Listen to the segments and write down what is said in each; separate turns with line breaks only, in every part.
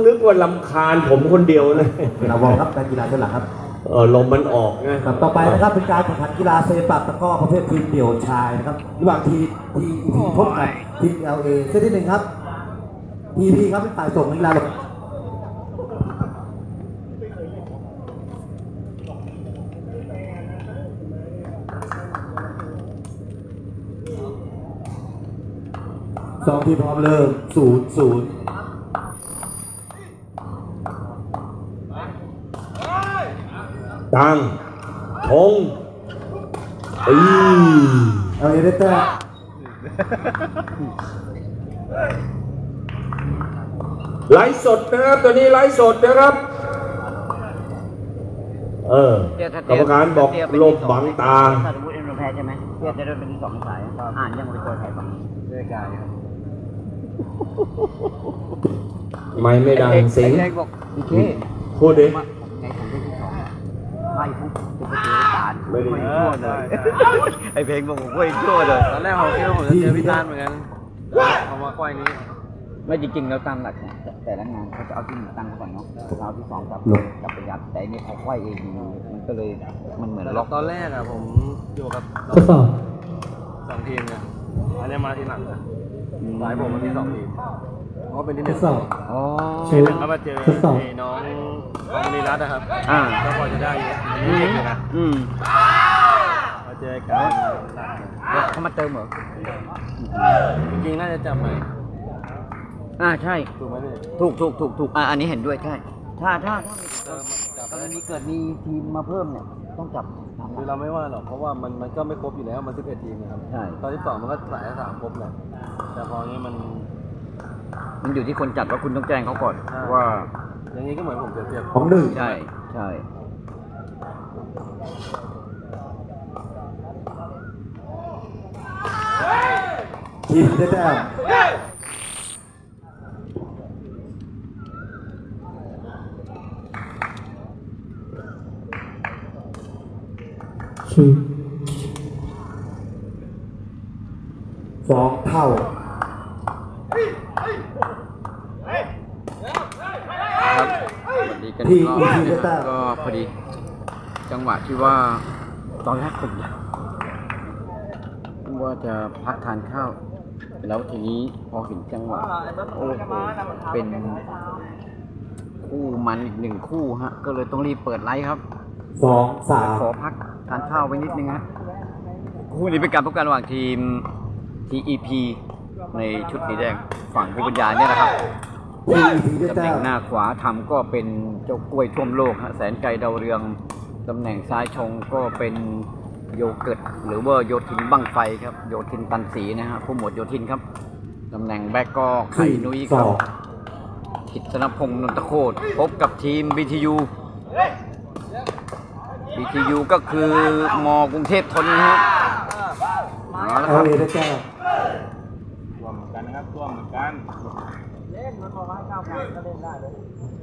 นึกว่าลำคาญผมคนเดียวนะ
เราวอลครับการกีฬาเท่าไหร่ครับ
ลมมันออกไง
ครับต่อไปนะครับเป็นการแข่งขันกีฬาเซปักตะกร้อประเภททีมเดี่ยวชายนะครับระหว่างทีพบกับทีม LA เซตที่หนึ่งครับพีครับเป็นฝ่ายส่งนักกีฬาลงสองทีมพร้อมเริ่ม0-0
ตังธง
เอาเอเดเตอร์
ไลฟ์สดนะครับตัวนี้ไลฟ์สดนะครับกรรมการบอกลบบังตา
ถ้าสมมติเอ็นโดแพ้ใช่ไหมเพื่อจะได้เป็นที่2 สายอ่านยังไม่ตัวไทยฝั่งนี้ด้วยกายครับ
ไม่ดังเสียง
บอกโอเค
พูดดิ
ไงผมได้ที่2ไม่ปุ๊บจะไปเจอตาลไม่ชั่วเลยไอเพลงบอกผมไม่ชั่วเลย
ตอนแรกผมคิดว่าผมจะเจอพี่ตาลเหมือนกันเอามาควายนี้
ไม่จริงๆแล้วตามหลักแต่ละงานเขาจะเอาที่1ตั้งก่อนเนาะเอาที่2กับประหยัดแต่นี่เขาควายเองมันก็เลยมันเหมือนล็อก
ตอนแรกอะผมอยู่กับ2 ทีมเนี่ยอันนี้มาทีหลังนะสายผมมันมี2 ทีมเพราะเป็นที่1
อ๋อ
ทีหนึ่งก็มาเจอน้องนีรัตน์นะครับก็พอจะได้อยู่นะมาเจอกัน
เขามาเติมเหรอ
จริงๆน่าจะจับไหม
ใช่
ถูกไหมพี่
ถูกอันนี้เห็นด้วยใช่ถ้ากรณีเกิดมีทีมมาเพิ่มเนี่ยต้องจับ
คือเราไม่ว่าหรอกเพราะว่ามันก็ไม่ครบอยู่แล้วมัน11 ทีมนะครับ
ใช่
ตอนที่2มันก็สาย3ครบแหละแต่พอนี้
มันอยู่ที่คนจัดว่าคุณต้องแจ้งเขาก่อนว่า
อย่างนี้ก็เหมือนผมเปรียบ
ของหนึ่ง
ใช่
ทีมได้แต้ม2 เท่า
ที่ก็พอดีจังหวะที่ว่าตอนแรกผมว่าจะพักทานข้าวแล้วทีนี้พอเห็นจังหวะโอ้โหเป็นคู่มันอีก1 คู่ฮะก็เลยต้องรีบเปิดไลฟ์ครับ
2-3
ขอพักทานข้าวไว้นิดนึงฮะคู่นี้เป็นการพบกันระหว่างทีม TEP ในชุดสีแดงฝั่งผู้บรรยายเนี่ยนะครับตำแหน่งหน้าขวาทำก็เป็นเจ้ากล้วยท่วมโลกฮะแสนไกลดาวเรืองตำแหน่งซ้ายชงก็เป็นโยเกิร์ตหรือว่าโยทินบั้งไฟครับโยทินตันสีนะฮะผู้หมวดโยทินครับตำแหน่งแบ็กก็ไข่นุ้ยครับกิตนพงษ์นนทโคตรพบกับทีม BTU ก็คือม.กรุงเทพธนนะฮะ
เอาเลยได้แต้ม
รวมกันนะครับรวมกัน
เล่นมันประมาณ9 ครั้งก็เล่นได้เลย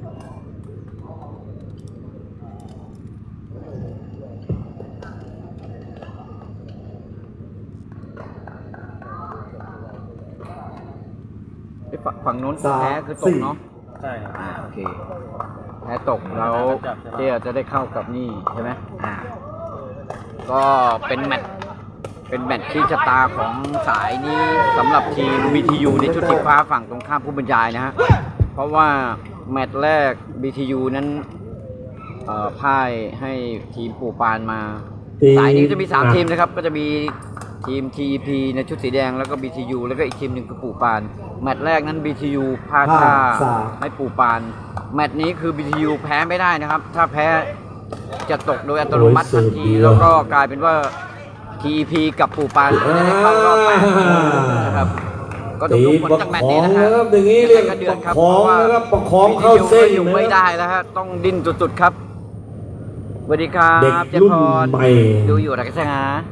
ฝั่งโน้นแพ้คือตกเนาะ
ใช่ครับ
โอเคแพ้ตกแล้วเจ๊จะได้เข้ากับนี่ใช่ไหมก็เป็นแมตช์ที่ชะตาของสายนี้สำหรับทีม BTU ในชุดสีฟ้าฝั่งตรงข้ามผู้บรรยายนะฮะเพราะว่าแมตช์แรก BTU นั้นพ่ายให้ทีมปู่ปานมาสายนี้จะมี3 ทีมนะครับก็จะมีทีม TEP ในชุดสีแดงแล้วก็ BTU แล้วก็อีกทีมหนึ่งคือปู่ปานแมตช์แรกนั้น BTU พลาดท่าให้ปู่ปานแมตช์นี้คือ BTU แพ้ไม่ได้นะครับถ้าแพ้จะตกโดยอัตโนมัติทันทีแล้วก็กลายเป็นว่า TEP กับปู่ปานจะได้เข้ารอบ8นะครับก็ต้องดูผลจากแมตช์นี้นะครับ
อย่างนี้เรียกประคองนะครับประคองเข้าเส้น
อยู่ไม่ได้แล้วฮะต้องดิ้นสุดๆครับสวัสดีครับ
เด็กรุ่นใหม่
ดูอยู่นะใช่ไหม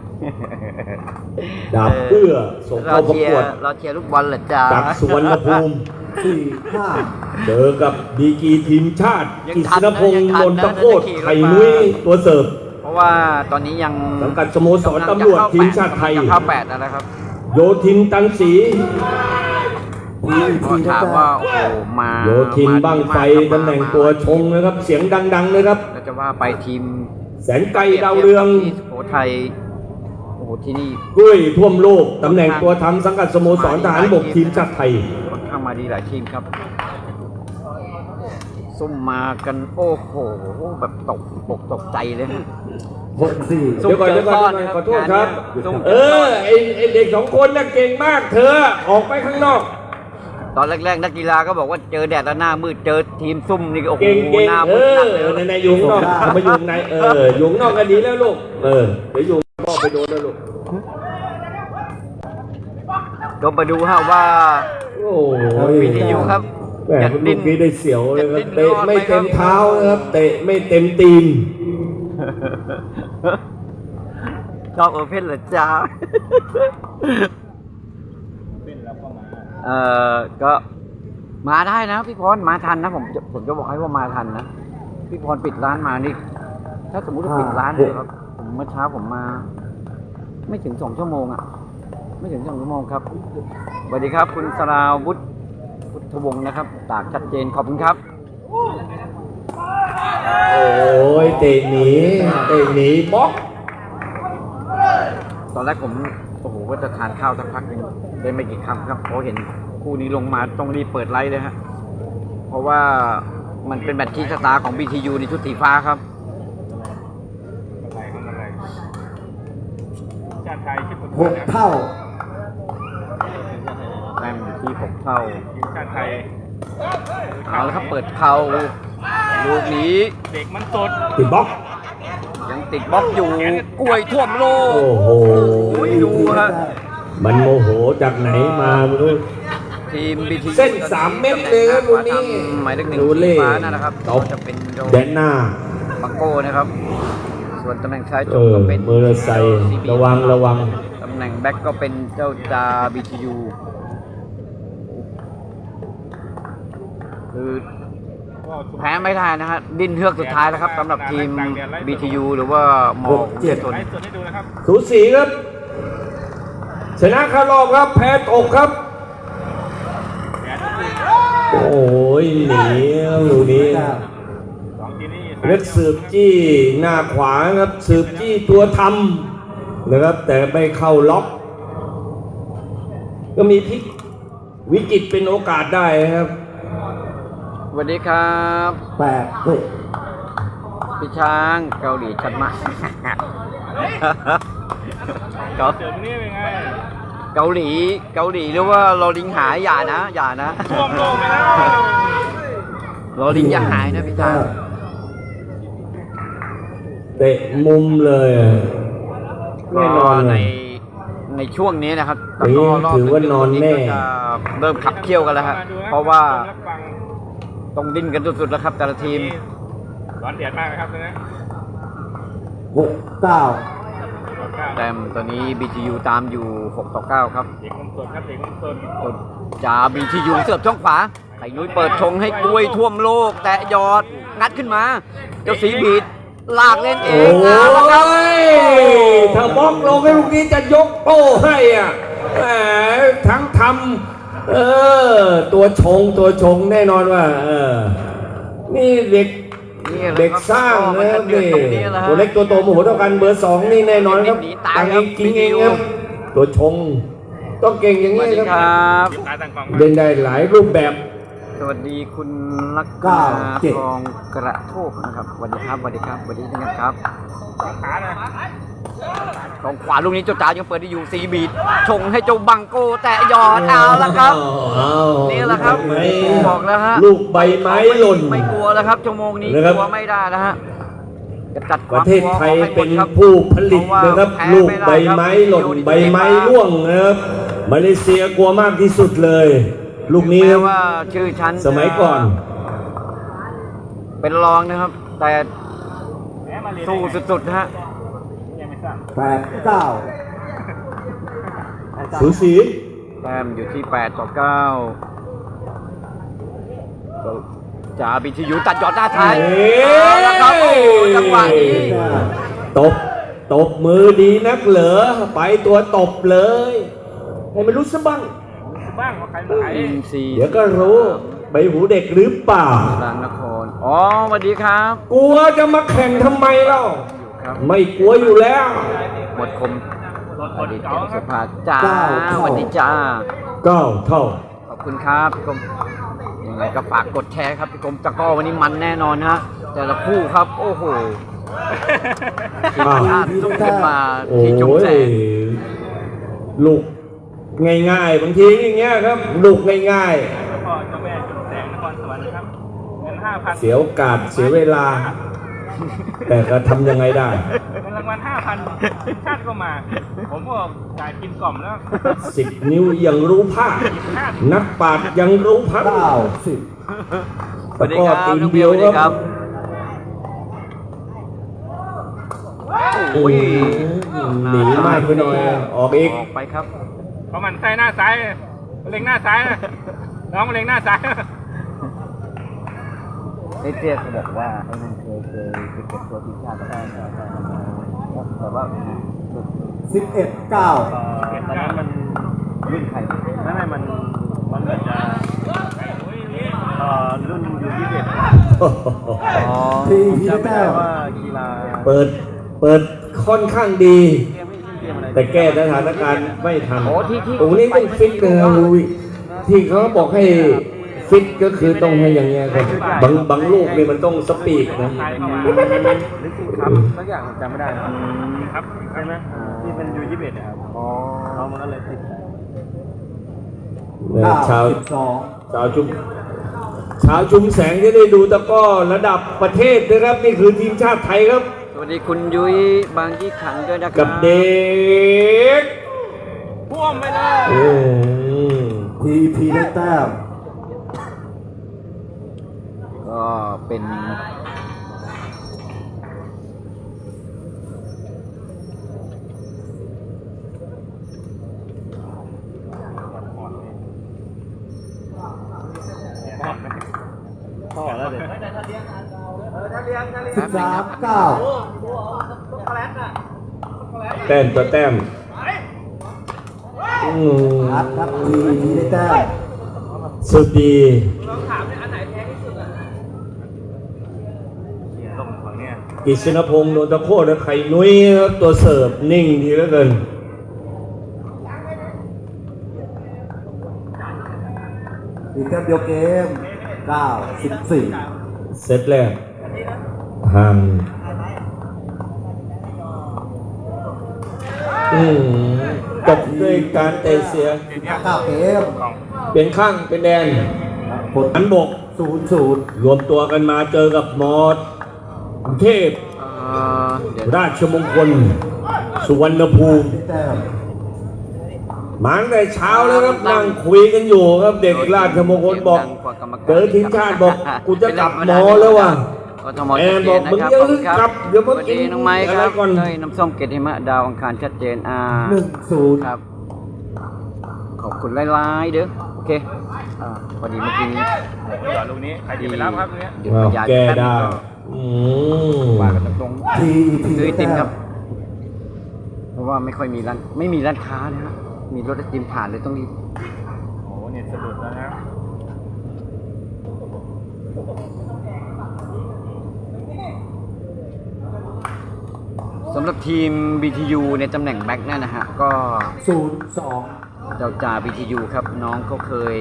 ดาบเอื้อส่งเข้าประกวด
เราเชียร์ลูกบอลเหรอจ๊ะ
จากสุวรรณภูมิ4-5เจอกับดีกรีทีมชาติกิษณพงษ์นนทโคตรไข่นุ้ยตัวเสิร์ฟ
เพราะว่าตอนนี้ยัง
สังกัดสโมสรตำรวจทีมชาติไทย
เข้า8แล้วนะครับ
โยทินตันศรี
ก็ถามว่าโอ้โหมา
โยทินบ้างไฟตำแหน่งตัวชงนะครับ เสียงดังๆเลยครับ
แล้วจะว่าไปทีม
แสนไกลดาวเรือง
ที่สุโขทัยโอ้โหที่นี่
กุ้ยท่วมโลกตำแหน่งตัวทำสังกัดสโมสรทหารบกทีมชาติไทย
ค่อนข้างมาดีหลายทีมครับซุ่มมากันโอ้โหแบบตกใจเลยนะ
64
เดี๋ยวก่อนขอโทษครับ ไอเด็กสองคนน่ะเก่งมากเธอออกไปข้างนอก
ตอนแรกๆนักกีฬาก็บอกว่าเจอแดดแล้วหน้ามืดเจอทีมซุ่มนี่ก็โอ้โห
เก่ง
หน้ามืดหนักเลย
ในยุงนอกมายุงในยุงนอกกันดีแล้วลูกเดี๋ยวยุงนอกไปโดนแล้วลูก
ก็มาดูฮะว่า
โอ้ย
วิทยุครับ
แหมลูกนี้ได้เสียวเลยครับ
จะ
เตะ
ดิ้น
ไม่เต็ม
รอดไหมครับ
เท้านะครับเตะไม่เต็มตีน
ชอบโอเพ่นเหรอจ้าก็มาได้นะพี่พรมาทันนะผมจะบอกให้ว่ามาทันนะพี่พรปิดร้านมานี่ถ้าสมมุติว่าปิดร้านเลยครับผมเมื่อเช้าผมมา ไม่ถึง2 ชั่วโมงอ่ะไม่ถึง2 ชั่วโมงครับสวัสดีครับคุณสราวุฒิพุทธวงศ์นะครับตากชัดเจนขอบคุณครับ
โอ้ยเตะหนีบล็อก
ตอนแรกผมโอ้โหก็จะทานข้าวสักพักหนึงได้ไม่กี่คำครับเพราะเห็นคู่นี้ลงมาต้องรีบเปิดไลฟ์เลยฮะเพราะว่ามันเป็นแมตช์ที่ชะตาของ BTU ในชุดสีฟ้าครับ
6 เท่า
แต้มอยู่ที่6 เท่า
ทีมชาติไทย
เอาแล้วครับเปิดเข่าลูกนี้
เด็กมันสด
ติดบล็อก
ยังติดบล็อกอยู่กล้วยท่วมโลก
โอ้โห
ดูฮะ
มันโมโหจากไหนมาไม่รู้
ทีม BTU
เส้น3 เม็ดเลยครับลูกนี้
หมายเลข
ดู
1
เล่
สีฟ้านะครับ
ตบ
จะเป็นโด
แดนหน้า
บังโก้นะครับ ส่วนตำแหน่งซ้ายจ
เอบ อ
ก็เป็น
มอเตอร์ไซค์ระวัง
ตำแหน่งแบ็กก็เป็นเจ้าจา BTU คือแพ้ไม่ได้นะฮะดิ้นเฮือกสุดท้ายแล้วครับสำหรับทีม BTU หรือว่ามอ
6-7
ชน
ไลฟ์สดให้ดูนะครับ
สูสีครับชนะคารอบครับแพ้ตกครับ โอ้ยหนีอยู่นี้
สองทีมนี้
เล็กสืบจี้หน้าขวาครับสืบจี้ตัวทำนะครับ แต่ไม่เข้าล็อก ก็มีพลิกวิกฤตเป็นโอกาสได้ครับ
สวัสดีครับ
8 เฮ้ย
พี่ช้างเกาหลีชัดมาก
เดี๋ยวนี้เป็นไง
เกาหลีหรือว่าเราลิงหายอย่านะ
ท่วมโลกไปแล้ว
เราลิงอย่าหายนะพี่ช้าง
เตะมุมเลยแน่นอน
ใน
เลย
ในช่วงนี้นะครับ
อย่างนี้ถือว่านอนแน่
ก็จะเริ่มขับเคี่ยวกันแล้วครับเพราะว่าต้องดิ้นกันสุดๆแล้วครับแต่ละทีม
ร้อนเดือดมากนะครับตอนนี้
6 9
แต้มตอนนี้ BTU ตามอยู่6-9ครับ
เด็กมันสดครับเด็กมันสด
จ่า BTU เสิร์ฟช่องขวาไข่นุ้ยเปิดชงให้กล้วยท่วมโลก แต่ยอดงัดขึ้นมา เจ้าสีบีดลากเล่นเอ
โอ้
งเอาละครับ
ยถ้าบล็อกลงให้ลูกนี้จะยกโป้ให้อ่ะแหมทั้งทำตัวชงแน่นอนว่านี่เด็ก
นี่แหละ
เด็ก
ครับ
สร้าง
มั
นะค
จะ
รับ
เดือด
นี่
ตรงนี้แหละฮะ
ตัวเล็กตัวโตโมโหเท่ากันเบอร์ 2นี่แน่นอนครับ
หนีตาย
ตัง
ครั
เอบ งกินเองครับ
BTU
ตัวชงต้องเก่งอย่าง
สวั
นี้
สดี
ค
ครับ รับ
ตายต่างกอง
เล่นได้หลายรูปแบบ
สวัสดีคุณลักษ
เก้า
ณา
เจ็ด
ทองกระโทกนะครับสวัสดีครับสวัสดีครับสวัสดีทั้งนั้นครับ
ขาเลย
ของขวาลูกนี้เจ้าจ๋ายังเปิดได้อยู่ซีบีดชงให้เจ้าบังโกแต่ยอดเอาละครับ นี่แหละครับบอกแล้วฮะ
ลูกใบไม้หล่น
ไม่กลัวแล้วครับชั่วโมงนี้
นะครับ
กลัวไม่ได้แล้วฮะจะจัดค
ป
วาม
ระเทศไทย
กลัวออกให้หม
เป็
ด
น
ครับ
ผู้ผลิต
เพราะว่า
นะครับ
แพ้
ลูก
ไม่ได้
ใบไม้
ครับ
หล่น
อยู่ที่
ใบไม้
สีฟ้า
ร่วงนะครับมาเลเซียกลัวมากที่สุดเลย ลูกนี้
แม้ว่าชื่อชั้น
สมัยก่อน
เป็นรองนะครับ แต่
แหมมาเรียน
สู้สุดๆนะฮะ
ยังไม่ทราบ
8 9
สูสี
แต้มอยู่ที่8-9จ่าบิทยุตัดยอดหน้าท้าย
เอ้ย
เอาละครับโอ้โหจังหวะนี้
ตบมือดีนักเหรอไปตัวตบเลย ให้มันรู้ซะบ้าง
บ้างว่าใครไหน
อินซีย์
เดี๋ยวก็รู้ใบหูเด็กหรือเปล่า
รางนครอ๋อสวัสดีครับ
กลัวจะมาแข่งทำไมเล่า
ครับ
ไม่กลัวอยู่แล้ว
หมดคมอดีตแก้วสุภาจ้าสวัสดีจ้า
ก้าวเท่า
ขอบคุณครับพี่กรมยังไงก็ฝากกดแชร์ครับพี่กรมตะกร้อวันนี้มันแน่นอนฮะแต่ละคู่ครับโอ้โหทีมชาติสู้ขึ้นมา
โอ้
ที่จุงแส
ย
ง
ลูกง่ายๆบางทีอย่างเงี้ยครับ ลูกง่าย
พ่อเจ้าแม่จุดแสงนครสวรรค์นะครับเงิน
ๆ เสียโอกาสเสียเวลา แต่ก็ทำยังไงได้
5,000เงินรางวัล 5,000ชาติก็มา ผมก็จ่ายกินกล่อมแล้ว
10 นิ้วยังรู้ภาคนักปราชญ์ยังรู้พัก
เก้าสิบ
สวัสดีครับ
ตีน
น้องเบ
เดี
ล
ยว
สวัสดีครับ
โอ้ยหนีมากไปหน่อยออกอีก
ออกไปครับ
เขามันใส่หน้าซ้ายเล็งหน้าซ้ายนะน้องเล็งหน้าซ้าย
ไอ้เจ๊เขาบอกว่าไอ้มันเคยไปเก็บตัวทีมชาติได้แต่ว่า
11 9
ตอนนั้นมัน
รุ่นใคร
ไม่มันเหมือนจะรุ่นอยู่21
อ๋อ
ทีพีได้แต้ม
ว่ากีฬา
เปิดค่อนข้างดี แต่แก้สถานการณ์ไม่ทัน
โอ้ที่
ตรงนี้ต้องฟิตนะลุยที่เขาบอกให้ฟิตก็คือต้องให้อย่างเงี้ยครับบางลูกนี่มันต้องสปีดนะ
ไทยเข้ามาหรือสิครับสักอย่างจำไม่ได้นะครับใช่ไหมที่เป็นยู21นะครับเรามันก็เลยติด
ชาว
12
ชาวชุมแสงจะได้ดูตะกร้อระดับประเทศนะครับ นี่คือทีมชาติไทยครับ
สวัสดีคุณยุ้ยบางยี่ขันด้วยนะครั
กับเด็ก
พ่วงไปเลย
ทีพีได้แต้ม
ก็เป็น
พ่อแล้วเด็ก
13 9
แต้มต่อแต้มอืม
นัดครับทีพีได้แต้ม
สุดดี
ลงฝั่งเนี้ย
กิษณพงษ์โดนตะโคตรและไข่นุ้ยครับตัวเสิร์ฟนิ่งดีเหลือเกิน
อีกแต้มเดียวเกม 9 14
เซตแรกห่างจบด้วยการเตะเสีย
9 เกม
เป็นข้างเป็นแดน
ผล
หันบก
0-0
รวมตัวกันมาเจอกับมอสกรุงเทพ
เดี๋ยว
ราชมงคล สุวรรณภูมิ
ได้แต้ม
มาตั้งแต่เช้าแล้วครับนั่งคุยกันอยู่ครับเด็กราชมงคลบอก เจอทีมชาติบอกกูจะกลับมอแล้วว่ะ
กทมชัดเจนนะครับ
แอนบอกมึงอย่าเพิ่งกลับเดี๋ยว
ส
มา
วัส
กิ
ดี
น
น้องไม้ค
อะไร
รับ
ก่อน
เนยน้ำส้มเกตหิมะดาวอังคารชัดเจน
1-0
ครับ ขอบคุณหลายๆเด้อโอเคพอดีเมื่อกี้นี้
จอดลูกนี้ใครจะไปรับครับตรงเนี้ย
เดี๋ยว
อ้าว
ย้าย
แก้
ป๊บนึง
ได้
ก่อน
อืม
ว่ากันตรง
ทีพี
ๆซื้อ
ได้
ไอติ
แต้
มครั
ม
บ เพราะว่าไม่ค่อยมีร้านไม่มีร้านค้านะฮะมีรถไอติมผ่านเลยต้องรีบ
โอ้โหเนี่ยสะดุดแล้วนะ
สำหรับทีม BTU ในตำแหน่งแบ็คเนี่ยนะฮะก็
0-2
เจ้าจ่า BTU ครับน้องก็เคย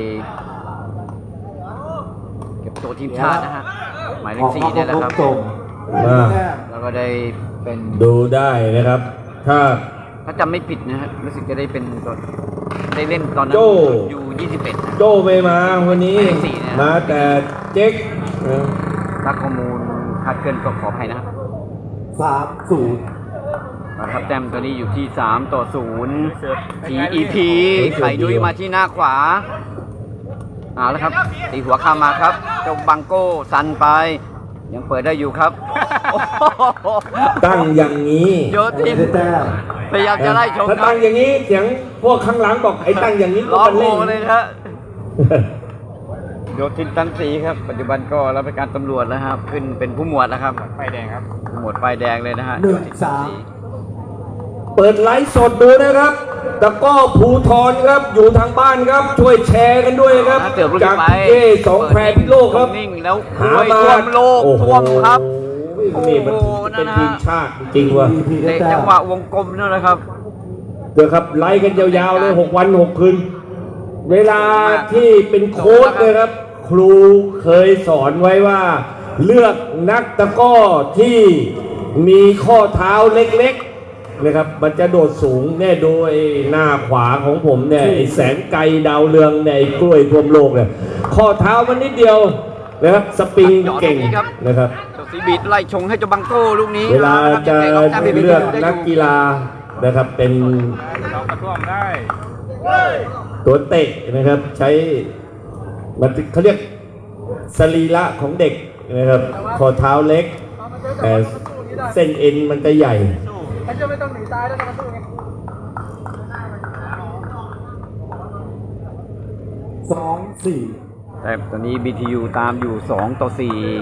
เก็บตัวทีมชาตินะฮะหมายเล
อ
ข
อก
สี่
มา
เนี่ยแหละครับ
จม
อ่า
แต้ม
แล้วก็ได้เป็น
ดูได้นะครับ ถ้า
ถ้าจำไม่ผิดนะฮะรู้สึกจะได้เป็นตัวได้เล่นตอนนั้น
โจ้
อยู่21นะ
โจ้ไม่มาวันนี้
ไม่ได้สี่นะ
มาแต่เจ๊กเออ
ถ้าข้อมูลคลาดเคลื่อนก็ขออภัยนะครับ
3-0
นะครับแต้มตัวนี้อยู่ที่ 3-0 TEP ไข่ดุยมาที่หน้าขวาเอาแล้วครับตีหัวข้ามมาครับเจ้าบังโก้ซันไป ยังเปิดได้อยู่ครับ
ตั้งอย่างนี้
โยทิน
ได้แต้ม
พยายามจะไล่ชม
ถ้า
ครั
ตั้
บ
งอย่างนี้เสียงพวกข้างหลังบอกไอ้ตั้งอย่างนี้
ล้อ
มัน
โผ
เล่
ล่
น
เลยนะฮะโยทินตันสีครับ ปัจจุบันก็รับราชการตำรวจแล้วครับ ขึ้นเป็นผู้หมวดแล้วครับ
ไฟแดงครับ
ผู้หมวดป้ายแดงเลยนะฮะ
1-3
โยทินตันศรี
เปิดไลฟ์สดดูนะครับตะกร้อภูทรครับอยู่ทางบ้านครับช่วยแชร์กันด้วยครับ
เกือบลูก
จาก
ไป
เย่สองแพรพิโลกครับ
นิ่งแล้ว
หา
ด้วย
มา
ท่วมโลก
โอ้โห
ท่วมครับ
นี่มัน
โอ้โห
เป็น
นั่นนะ
ทีมชาติจริงๆว่ะ
พีได้
เตะ
แต้
จั
ม
งหวะวงกลมนั่นแหละครับ
เดี๋ยวครับไล่กันยาวๆเลย6 วัน6 คืนเวลาที่เป็นโค้ชเลยครับ ครูเคยสอนไว้ว่า เลือกนักตะกร้อที่มีข้อเท้าเล็กๆนะครับมันจะโดดสูงแน่โดยหน้าขวาของผมเนี่ยไอ้แสงไกลดาวเรืองเนี่ยไอ้กล้วยท่วมโลกเนี่ยข้อเท้ามันนิดเดียวนะครับสปริงเก่งนะครับ
เจ้าสีบีดไล่ชงให้เจ้าบังโก้ลูกนี้
เวลาจะ
นะครับยังไง
เลือกนักกีฬานะครับเป็น
เรากระท่วมได้
ตัวเตะนะครับใช้มันเขาเรียกสรีระของเด็กนะครับข้อเท้าเล็กแต่เส้นเอ็นมันจะใหญ่
2-4
แต่ตอนนี้ BTU ตามอยู่2-4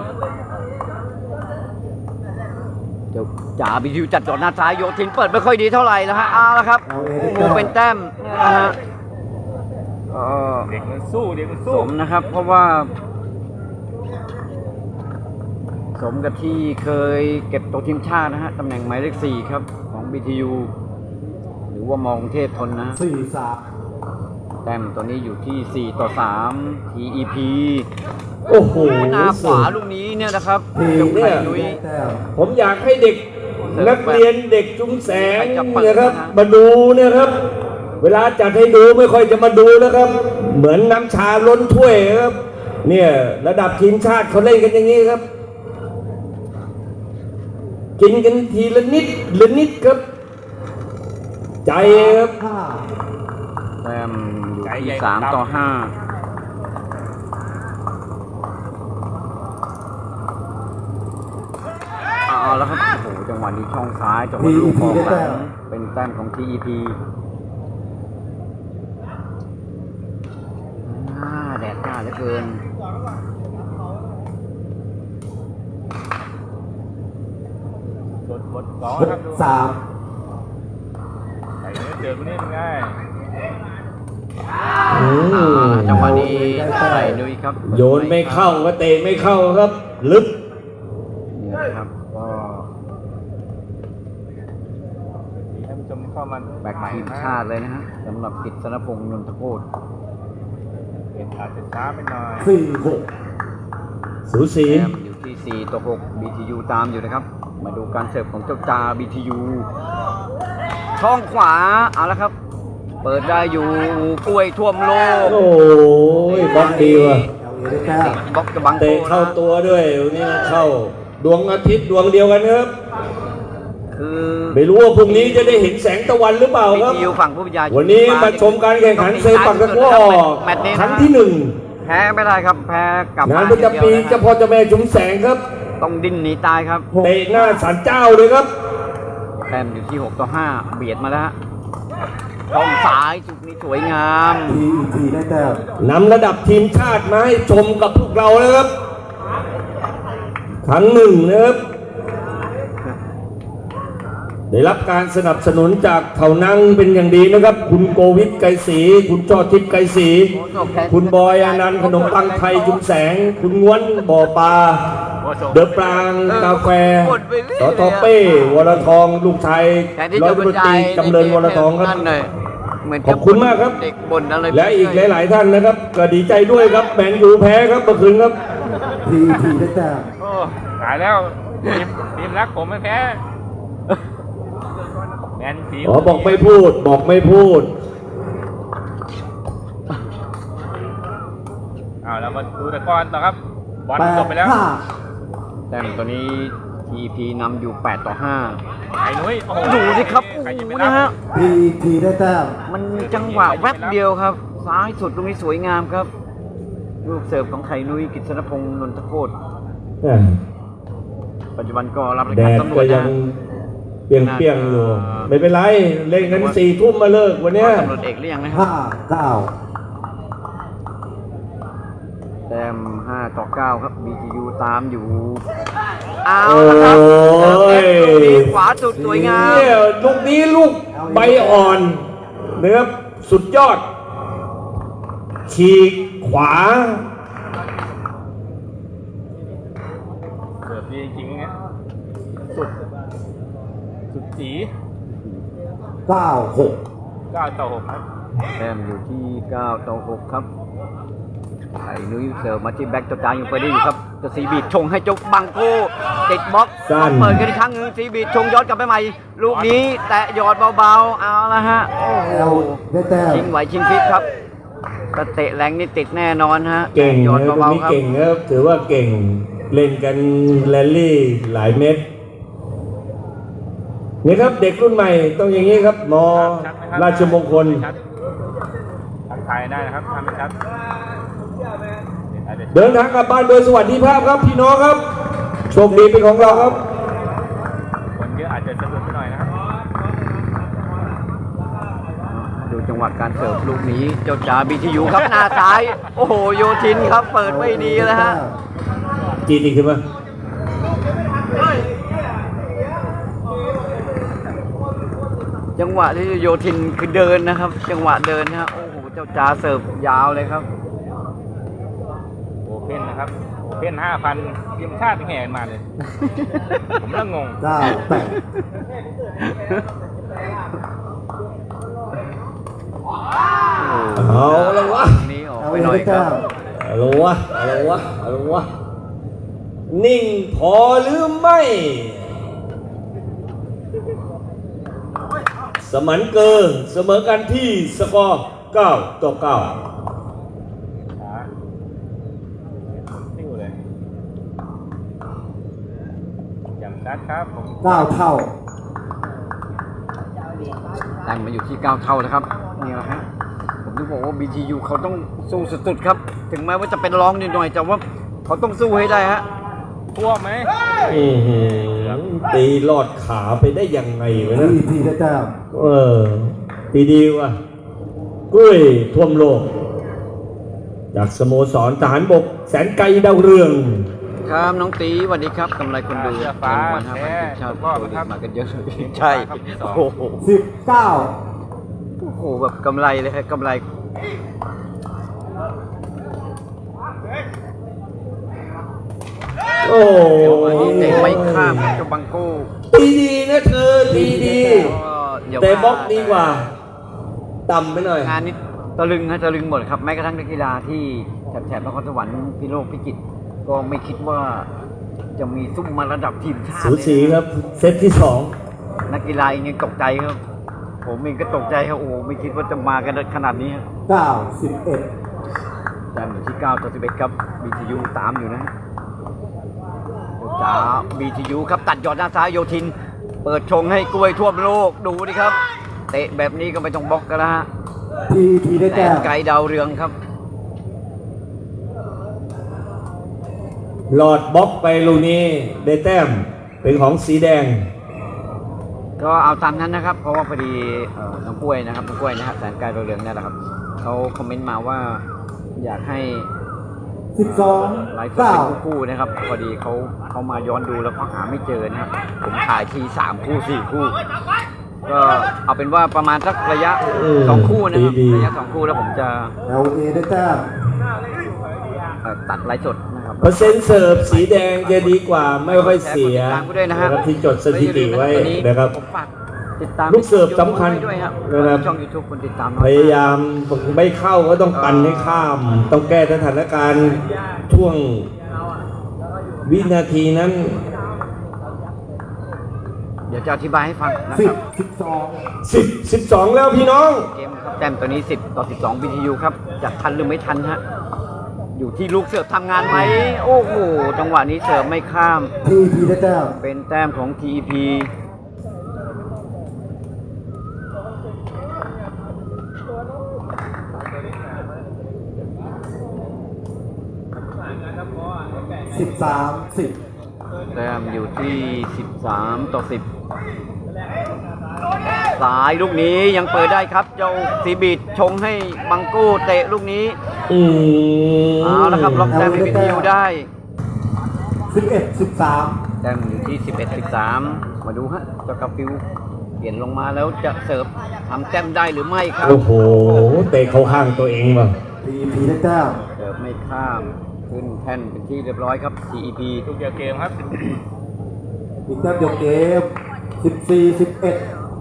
เดี๋ยวจ่า BTU จัดจอดหน้าซ้ายโยทินเปิดไม่ค่อยดีเท่าไหร่นะฮะเอาละครับโอ้โหเป็นแต้มเนี่ยนะฮะก็
เด็กมันสู้เด็กมัน
ส
สู้
มนะครับ เพราะว่า สมกับที่เคยเก็บตัวทีมชาตินะฮะตำแหน่งหมายเลข4ครับของ BTU หรือว่ามองเทพทนนะ
4-3
แต้มตัวนี้อยู่ที่4-3 TEP
โอ้โห
หน้าขวาลูกนี้เนี่ยนะครับ
ที
เจ้า
เนี่
ไข่
ย
นุ้ย
ได้แต้ม
ผมอยากให้เด็กนักเรียนเด็กจุ้มแสง
ใครจะเปิด
นะครับ
นะ
มาดูเนี่ยครับ เวลาจัดให้ดูไม่ค่อยจะมาดูนะครับ เหมือนน้ำชาล้นถ้วยครับ เนี่ยระดับทีมชาติเขาเล่นกันอย่างนี้ครับ กินกันทีละนิดละนิดครับ ใจครับ
แต้มอยู่ที่3-5เอาแล้วครับโอ้โหจังหวะนี้ช่องซ้ายจังหวะลูกของหลังเป็นแต้มของ TEP แดดจ้าเหลือเกิน
บทสองครับดู
6-3
ไอ้เนื้อเจอคนนี้เป็นไง
จังหวะนี้ใส่นุ้ยครับ
โยนไม่เข้าก็เตะไม่เข้าครับ ลึก
นี่นะครับก็
ท่านผู้ชมที่เข้ามา
แบ็คทีมชาติเลยนะฮะสำหรับกิตตินพงษ์นนทโคตร
เห็นอาจจะช้าไปหน่อย
4-6
สูสี
แต้มอยู่ที่4-6 BTU ตามอยู่นะครับ มาดูการเสิร์ฟของเจ้าจา BTU ช่องขวาเอาละครับ เปิดได้อยู่กล้วยท่วมโลก
โอ้ยบอลดีว่ะ
LA ได้แต้ม
บล็อกจะบังโก
เตะเข้า
นะ
ตัวด้วยวันนี้เข้าดวงอาทิตย์ดวงเดียวกันครับ
คือ
ไม่รู้ว่าพรุ่งนี้จะได้เห็นแสงตะวันหรือเปล่าครับ
BTU ฝั่งผู้บรรยาย
วันนี้มาชมการแข่งขันเซปักตะกร้อ
แมตช์นี้
ครั้งที่หนึ่ง
แพ้ไม่ได้ครับ แพ้กลับ
งาน
บ้
ประจำปี
อย่างดียว
เจ้าพ่อเจ้าแม่ชุมแสงครับ
ต้องดิ้นหนีตายครับ
เตะหน้าศาลเจ้าเลยครับ
แต้มอยู่ที่6-5 เบียดมาแล้วฮะช่องซ้ายจุดนี้สวยงาม
TEP ได้แต้ม
นำระดับทีมชาติมาให้ชมกับพวกเรานะครับ ครั้งหนึ่งนะครับ ได้รับการสนับสนุนจากเถานังเป็นอย่างดีนะครับ คุณโกวิทไกรศรีคุณจอทิพย์ไกรศรีคุณบอยอนันต์ขนมปังไทยจุมแสง คุณง้วนบ่อปลา เดอะปรางกาแฟสอทอเป้วรทองลูกชาย
แทนที่
ร้อย
จะบร
ตำรว
ร
จตรี
ยาย
จำเริญวรทองครับ
นั่นเลยเหมือน
ขอบคุณมากครับ
เด็กบ่นอะไร
และอีกหลาย ๆ ท่านนะครับ ก็ดีใจด้วยครับแมนยูแพ้ครับเมื่อคืนครับ
TEP ได้แต้ม
โอ้ตายแล้วทีมรักผมไม่แพ้แมนสี
อ๋อบอกไม่พูดบอกไม่พูด
เอาเรามาดูแต่ก่อนต่อครับบอลจบไปแล้ว
8-5
แต้มตัวนี้ TP นำอยู่8-5
ไอ้นุ้ยโอ้โห
ดูสิครับ
ใครจะไป
โอ้โห
รั
นะ
บ
ฮะ
TEP ได้แต้ม
มันมีจังหวะแวบเดียวครับ ซ้ายสุดตรงนี้สวยงามครับ ลูกเสิร์ฟของไข่นุ้ยกิตตินพงษ์นนทโคตรปัจจุบันก็รับราช
แด
การ
ด
ตำรว
ก็
จ
ยั
นะ
งเปรียงๆอยู่ ไม่เป็นไร เล่นกัน4 ทุ่มมาเลิกวันเนี้ย
ตำรวจเอกหรือยังนะครับ
5-9
แต้ม5 ต่อ 9 ครับ BTU ตามอยู่ เอา
โอ้
ละครับเติมเอฟลูกนี้
ย
ขวาสุดสวยงาม
เนี่ยลูกนี้ลูกใบอ่อนนะครับสุดยอด ฉีกขวา
เสิร์ฟดีจริงๆเงี้ยสุดจี
96
9 ต่อ 6 ครับ
แต้มอยู่ที่ 9 ต่อ 6 ครับไอ้นุ้ยเสิร์ฟมาที่แบ็กตัวกลางยังไปได้อยู่ครับจะซีบีดชงให้เจกบังโก้ติดบล็อก
สั้น
เปิดกันอีกครั้งหนึงซีบีดชงย้อนกลับไปใหม่ ลูกนี้แตะหยอดเบาๆ เอาละฮะ โอ้โห
แล้วได้แต้ม
ชิงไหวชิงพลิกครับถ้าเตะแรงนี่ติดแน่นอนฮะ
เก่ง
หยอด
นะตรง
เบา
นี้
ๆครับ
เก่งครับถือว่าเก่งเล่นกันแรลลี่หลายเม็ดนี่ครับเด็กรุ่นใหม่ต้องอย่างนี้ครับมอราชมงคล
ทักทายได้นะครับทำไม่ชัด
เดินทางกลับบ้านโดยสวัสดิภาพครับพี่น้องครับโชคดีเป็นของเราครับ
คนเยอะอาจจะสะดุดไปหน่อยนะครับ
ดูจังหวะการเสิร์ฟลูกนี้เจ้าจ๋าบีทียูครับหน้าซ้าย โอ้โหโยทินครับเปิดไม่ดีแล้วฮะ
จีดีขึ้นมา
จังหวะที่โยทินคือเดินนะครับ จังหวะเดินนะฮะโอ้โหเจ้าจ๋าเสิร์ฟยาวเลยครับ
โอเพ่นนะครับโอเพ่น 5,000ทีมชาติแห่มาเลย ผมเริ่มงง
98
เอาละวะ
นี้ออกไปหน่อยครับ
เอาละวะเอาละวะเอาละวะนิ่งพอหรือไม่ สมันเกินเสมอกันที่สกอร์9 ต่อ 9
ช้าติ้วเลยจำชัดครับผม
9 เท่า
แต้มมาอยู่ที่ 9 เท่านะครับนี่แหละฮะผมถึงบอกว่า BTU เขาต้องสู้สุดๆครับ ถึงแม้ว่าจะเป็นรองนิดหน่อยแต่ว่าเขาต้องสู้ให้ได้ฮะ
ท่วมไหม
อื้อหือตีลอดขาไปได้ยังไงวะนะ
PET ได้แต้ม
ตีดีว่ะกุ้ยท่วมโลก จากสโมสรทหารบกแสนไกลดาวเรือง
ครับน้องตีสวัสดีครับกำไรคนดู
เสื้อฟ้า
วัน5,000
แท้
ทีมชาติ
ก็
โปรลี
ครั
ก
บ
มากันเยอะเลยใช่โอ้โห
19
โอ้โหแบบกำไรเลยครับกำไร
โอ้
เดี๋ยววันนี้เตะไม่ข้ามเจ้าบังโก้
ตีดีนะเธอตีดี
ก็อย่า
แต่
ว่า
บล็อกดีกว่า ต่ำไปหน่อย
งานนี้ตะลึงฮะตะลึงหมดครับแม้กระทั่งนักกีฬาที่แถบนครสวรรค์พิโลกพิจิตรก็ไม่คิดว่าจะมีซุ่มมาระดับทีมชาติ
สู
เลยนะ
สีครับ เซตที่
นักกีฬาเองยังตกใจครับ ผมเองก็ตกใจครับโอ้โหไม่คิดว่าจะมากันขนาดนี้ครับ
91
แต้มอยู่ที่ 9 ต่อ 11 ครับ BTU ตามอยู่นะฮะจ้า BTU ครับตัดยอดหน้าซ้ายโยทิน เปิดชงให้กล้วยทั่วโลกดูดิครับ เตะแบบนี้ก็ไม่ต้องบล็อกกันแล้วฮะ
PET ได้
แต่
แต้ม
ไกลดาวเรืองครับ
2 หลอดบล็อกไปลูกนี้ได้แต้มเป็นของสีแดง
ก็เอาตามนั้นนะครับ เพราะว่าพอดีน้องกล้วยนะครับน้องกล้วยนะฮะแสนไกลดาวเรืองเนี่ยแหละครับเขาคอมเมนต์มาว่าอยากให้ ไลฟ์สดเป็น
12
คู่ๆนะครับพอดีเขามาย้อนดูแล้วเขาหาไม่เจอนะครับผมถ่ายที3 คู่ 4 คู่ ก็เอาเป็นว่าประมาณสักระยะ 2 คู่นะครับ
ดีๆ
ระยะ 2 คู่แล้วผมจะ
9 LA ได้แต้ม
ตัดไลฟ์สดนะครับ
เปอร์เซ็นต์เสิร์ฟสีแดงจะดีกว่าไม่ค่อยเสีย
แชร์กดติดตามกูด้วยนะฮะ
นะครับที่จดสถิติไว้นะครับ
ผมฝากติดตาม
ลูกเสิร์ฟสำคัญ
ด้วยครับ
นะครับ
ช่อง YouTube คนติดตามน้อ
พยายามไม่เข้าก็ต้องปั่นให้ข้าม ต้องแก้สถานการณ์ช่วงวินาทีนั้น
เดี๋ยวจะอธิบายให้ฟังนะครับ
10 12
12 แล้วพี่น้อง
เกมครับแต้มตัวนี้10 ต่อ 12 BTU ครับจะทันหรือไม่ทันฮะอยู่ที่ลูกเสิร์ฟทำงานไหมโอ้โหจังหวะนี้เสิร์ฟไม่ข้าม
PET ได้แต้ม
เป็นแต้มของ TEP
13 10
แต้มอยู่ที่13 ต่อ 10 สายลูกนี้ยังเปิดได้ครับ เจ้าซีบีดชงให้บังกู้เตะลูกนี้ เอาละครับล็อกแต้มให้วิทยุได้
11-13
แต้มอยู่ที่ 11-13 มาดูฮะเจ้ากาฟิวเปลี่ยนลงมาแล้วจะเสิร์ฟทำแต้มได้หรือไม่ครับ
โอ้โหเตะเข้าข้างตัวเองว่ะ
PEP ได้แต้ม
เสิร์ฟไม่ข้ามขึ้นแท่นเป็นที่เรียบร้อยครับ CEP
ทุกเดียวเกมครับ
อีกแต้มเดียวเกม 14-11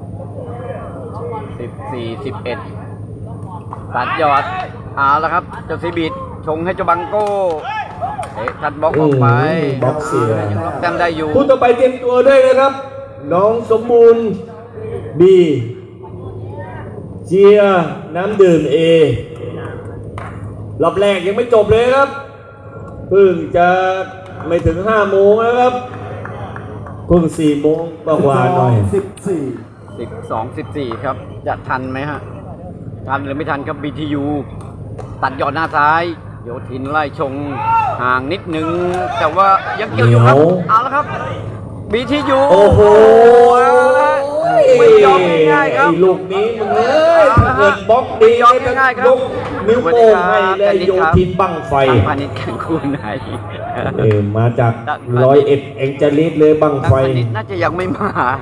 14-11 ตัดยอดเอาละครับเจ้าซีบีดชงให้เจ้าบังโก้เตะทัดบล็อกออกไป
บล็อกเสีย
ยังล็อกแต้มได้อยู่
ผู้ต่อไปเตรียมตัวด้วยนะครับ น้องสมบูรณ์บีเจียน้ำดื่มเอรอบแรกยังไม่จบเลยครับเพิ่งจะไม่ถึง5 โมงแล้วครับเพิ่ง4 โมงกว่าๆหน่อย
14
12-14 ครับ จะทันไหมฮะ ทันหรือไม่ทันครับ BTU ตัดยอดหน้าซ้าย โยทินไล่ชงห่างนิดนึง แต่ว่ายังเกี่ยวอยู่ครับ
เหนียว
เอาละครับ BTU
โอ้โห
เอาละไม่ยอมง่ายๆครับ
ไอ้ลูกนี้มึงเอ้ยถ้าเกิดบล็อกดี
ไม่ยอมง่ายๆครับ
ยกนิ้วโป้งให้เลยโยทินบังไฟ
ทางพาณิชย์แข่งคู่ไหน
มาจาก101เองจะลิดเลยบัง
ทาง
ไฟ
พาณิชย์น่าจะยังไม่มา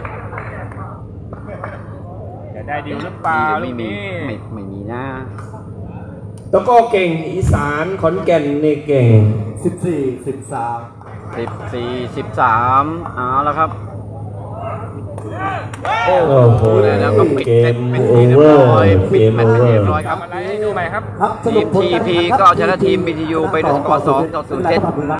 จะได้ดีลหรือเปล่า
ไม่
ลูก
มี
นี้
ไม่มีนะ
แล้วก็เก่งอีสานขอนแก่นนี่เก่ง
14-13
14-13 เอาแล้วครับ
โอ้โห
แล้วก็ปิด
เก
เซต
ม
เป็น
โอ
ที่เรียบ
เวอ
ร้อย
ร์
ปิ
เก
ด
ม
แม
โอ
ตช์
เวอ
เรีย
ร์
บร้อยครับ
ทำอะไรให้ดูใหม่ครับ
ครับส
ที
รุป
ม
ผลการแข่งขัน
TP ก็ชนะทีม BTU ไปด้วยสกอร์ 2-0 เซต